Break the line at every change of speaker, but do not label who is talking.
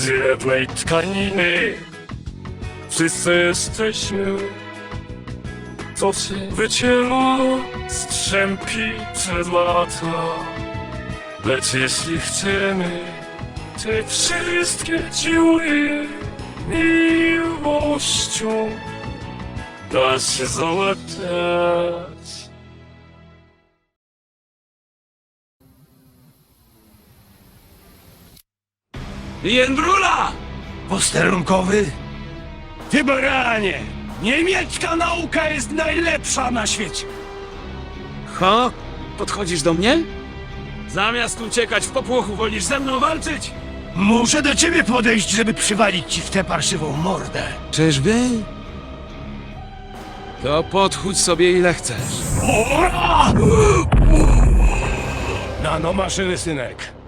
z jednej tkaniny. Wszyscy jesteśmy, co się wycięło, strzępi przed lata. Lecz jeśli chcemy te wszystkie dziury miłością da się załatać.
Jędrula!
Posterunkowy? Ty baranie! Niemiecka nauka jest najlepsza na świecie!
Ho? Podchodzisz do mnie? Zamiast uciekać w popłochu, wolisz ze mną walczyć?
Muszę do ciebie podejść, żeby przywalić ci w tę parszywą mordę.
Czyżby? To podchódź sobie ile chcesz.
Nanomaszyny, synek.